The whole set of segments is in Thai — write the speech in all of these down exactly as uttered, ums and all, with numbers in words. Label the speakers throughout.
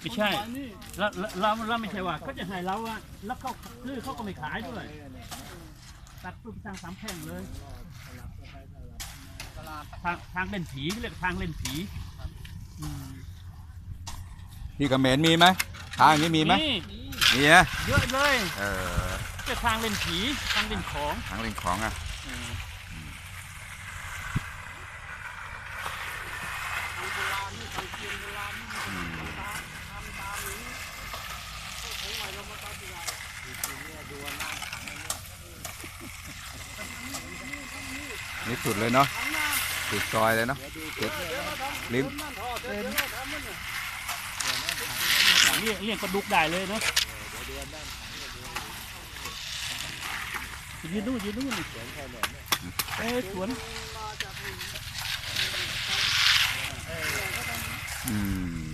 Speaker 1: ไม่ใช่แล้วเราเราไม่ใช่ว่าเขาจะให้เราอะแล้วเขาคือเขาก็ไม่ขายด้วยตัดปุ๊บทางสามแพร่งเลยทางทางเล่นผีเรียกทางเล่นผี
Speaker 2: ที่เขมรมีไหมทางนี้มีไหมมีนะ
Speaker 1: เยอะเลย
Speaker 2: เออ
Speaker 1: จะทางเล่นผีทางเล่นของ
Speaker 2: ทางเล่นของอ่ะนี่สุดเลยเนาะสุดซอยเลยเนาะสุดลิ้ม
Speaker 1: เรียกเรียกปลาดุกได้เลยเนาะยืนดูยืนดูนี่เอ้สวน
Speaker 2: อืม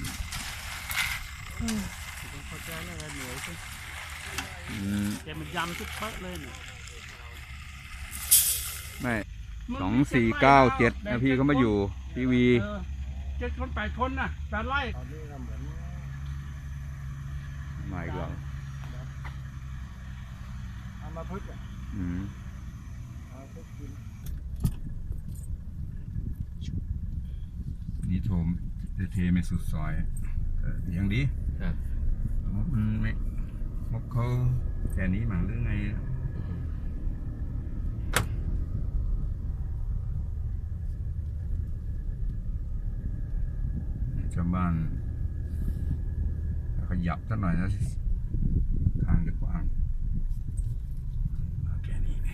Speaker 1: แกมันยำทุกเป๊ะเลยเนี่ย
Speaker 2: ไม่สองสี่เก้าเจ็ดนะพี่เขามาอยู่ทีวี
Speaker 1: เจ็ดคนแปดคนนะแปดไร่
Speaker 2: มาอีกแล้ว
Speaker 3: เอามาพึ่งอ่ะ
Speaker 2: อืมนี่โถมเทไม่สุดซอยอย่างดีมันไม่มกเขาแค่นี้มั้งหรือไงชาวบ้านขยับสักหน่อยนะทางจะกว้างแค่นี้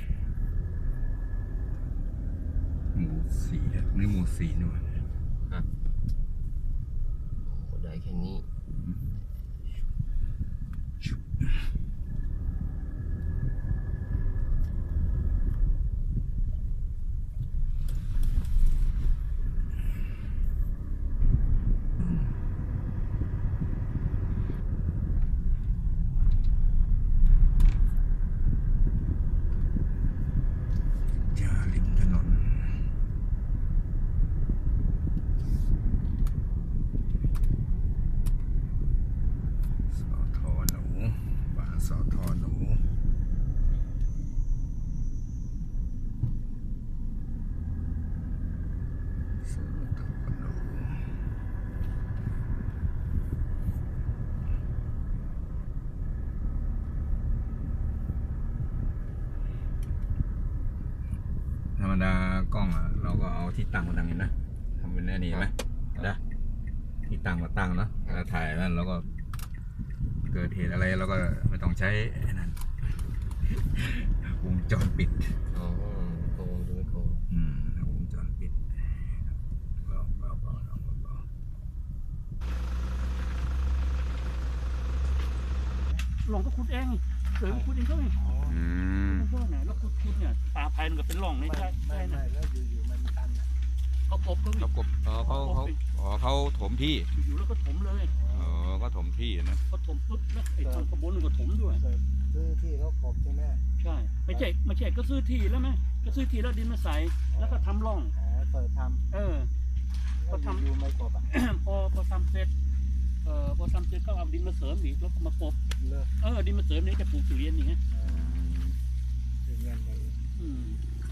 Speaker 2: หมู่สี่นี่หมู่สี่นู่น
Speaker 4: ได้แค่นี้
Speaker 2: ธรรมดากล้องอ่ะเราก็เอาที่ตั้งมาตั้งเห็นนะทำเป็นแน่นี่ไหมนะที่ตั้งมาตั้งเนาะเราถ่ายนั่นแล้วก็เกิดเหตุอะไรเราก็ไม่ต้องใช้นั่นวงจรปิด
Speaker 4: อ๋อโกงจะไม่โกง
Speaker 2: อืมวงจรปิดเบาเบาเบาเบาเบา
Speaker 1: หลงก็ขุดเองเสือขุดเองก็ไง
Speaker 2: อืม
Speaker 1: แล้วขุดขุดเนี่ยตาภายมันก็เป็นหล่องในใจใช่นะ
Speaker 3: แล้วอยู่ๆมันตัน
Speaker 1: เขาปบเขา
Speaker 2: เขาปบเขาเขาเขาเขาถมที่
Speaker 1: อยู่แล้วก็ถมเลย
Speaker 2: เออก็ถมที่นะ
Speaker 1: ก็ถมปุ๊บแล้วไอ้ทางขบวนก็ถมด้วย
Speaker 3: ซื้อที่เขากบใช่ไหม
Speaker 1: ใช่ไม่ใช่ไม่ใช่ก็ซื้อที่แล้วไหมก็ซื้อที่แล้วดินมาใส่แล้วก็ทำร่อง
Speaker 3: อ๋อเปิดทำ
Speaker 1: เออ
Speaker 3: ก็ทำอยู่ไม่กบอ่ะ
Speaker 1: พอพอทำเสร็จเอ่อพอทำเสร็จก็เอาดินมาเสริมอีกแล้วก็มากบเออดินมาเสริมนี่จะปลูกทุเรียนอย่างเงี้ย
Speaker 3: เป็นเงินเลย
Speaker 1: อืม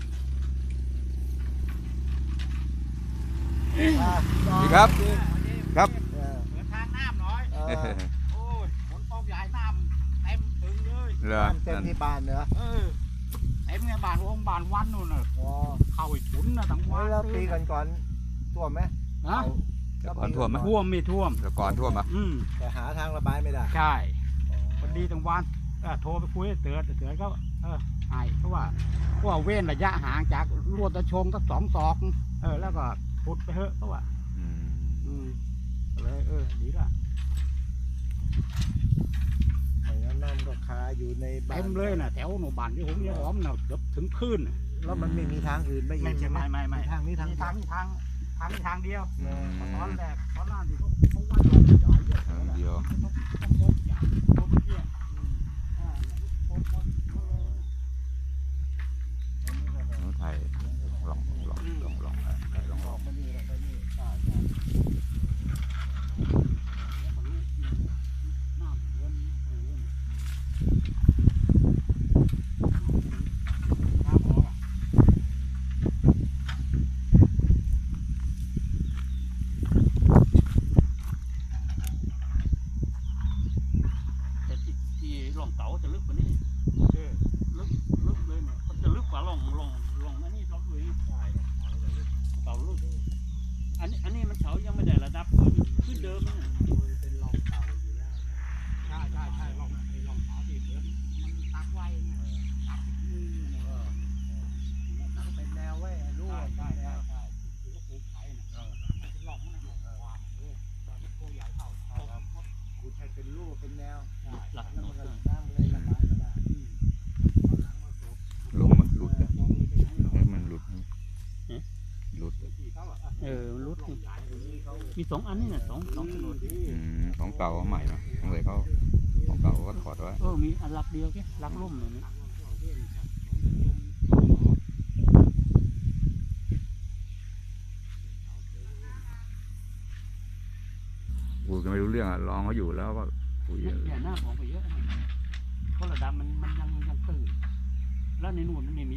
Speaker 2: ดีครับครับ
Speaker 1: เหมือนทางน้ำน้อยโอ้ยฝนตกใหญ่น้ำเต็มถึงเลย
Speaker 2: น้
Speaker 3: ำเต็มที่บ้านเนอะ
Speaker 1: เออเต็มไงบ้านองบ้านวันนู่นน่ะเข้าไอ้ถุนนะทั้งวัน
Speaker 3: แล้วปีก่อนก่อนท่วมไหม
Speaker 1: ฮะ
Speaker 2: ก่อนท่วมไหม
Speaker 1: ท่วมไม่ท่วม
Speaker 2: ก่อนท่วมอ่ะ
Speaker 3: แต่หาทางระบายไม่ได้
Speaker 1: ใช่พอดีทั้งวันโทรไปคุยเตือนเตือนก็เออหายเพราะว่าเพราะว่าเว้นระยะห่างจากรวดตะชงสักสองศอกเออแล้วก็พุดไปเถอะเพราะว่าอืมเลยเออดีละ
Speaker 3: ไม่งั้นน้ำก็คาอยู่ในบ้าน
Speaker 1: เต็มเลยนะแถวหนูบ้านที่ผมเนี่ยหอมเนาะเกือบถึงพื้น
Speaker 3: แล้วมันไม่มีทางอื่นไม่
Speaker 1: ไม่ใช่ไม่ไม่ไม่
Speaker 3: ทางนี้ทาง
Speaker 1: ทางทางทางทางเดียวตอนแรกตอนนั้นที่เขาเขาว่า
Speaker 2: ทางเดียวน้องไทยลองลองลองลองลองลอง
Speaker 1: น้ำออกอะแต่ที่ที่ร่องเต๋าจะลึกกว่านี้เออลึกลึกเลยเนี่ยมันจะลึกกว่าร่องร่องร่องอันนี้ร่องเลยใช่เต๋าลึกอันนี้อันนี้มันเขายังไม่ได้ระดับขึ้นขึ้นเดิมนะเป็นร่องเต๋าอยู่แล้วใช่ใช่ใช่ร่องไอ้ร่องเต๋าที่เหมือนมันตักไว้เนี่ยตักมือเนี่ยเออ
Speaker 3: เป็นแนวไว้รู้
Speaker 1: ใช่
Speaker 3: ว่า
Speaker 1: ใช่
Speaker 3: เป็นแน
Speaker 1: ใช่
Speaker 3: ว
Speaker 1: ใช่คือก็ปลูกไผ่เนี่ยมันจะหลอกมันหลอกความเออตอนนี้โตใหญ่เท่าเท่ากับ
Speaker 3: คุณให้เป็นรูปเป็นแนว
Speaker 1: หลัก
Speaker 3: แล้ว
Speaker 1: หน
Speaker 3: มัน
Speaker 1: ด
Speaker 3: ก็
Speaker 1: เลย
Speaker 3: น้ำเลยระบายไม่ได้
Speaker 1: หลังมาจบ
Speaker 2: ลมมันหลุดนะเฮ้ยมันหลุดนะหลุด
Speaker 1: เออรุดมีสองอันนี่น่ะสองสองถนน
Speaker 2: อืมของเก่าเอาใหม่เนาะของเลยเขาของเก่าเขาก็ถอดไว้
Speaker 1: เออมีอันหลักเดียวแค่หลักล่มเลยนะ
Speaker 2: กูก็ไม่รู้เรื่องอะลองเขาอยู่แล้วก็คุย
Speaker 1: เนี่ยหน้าของไปเยอะนะเพราะระดับมันมันยังยังตื่นแล้วในนู่นนี่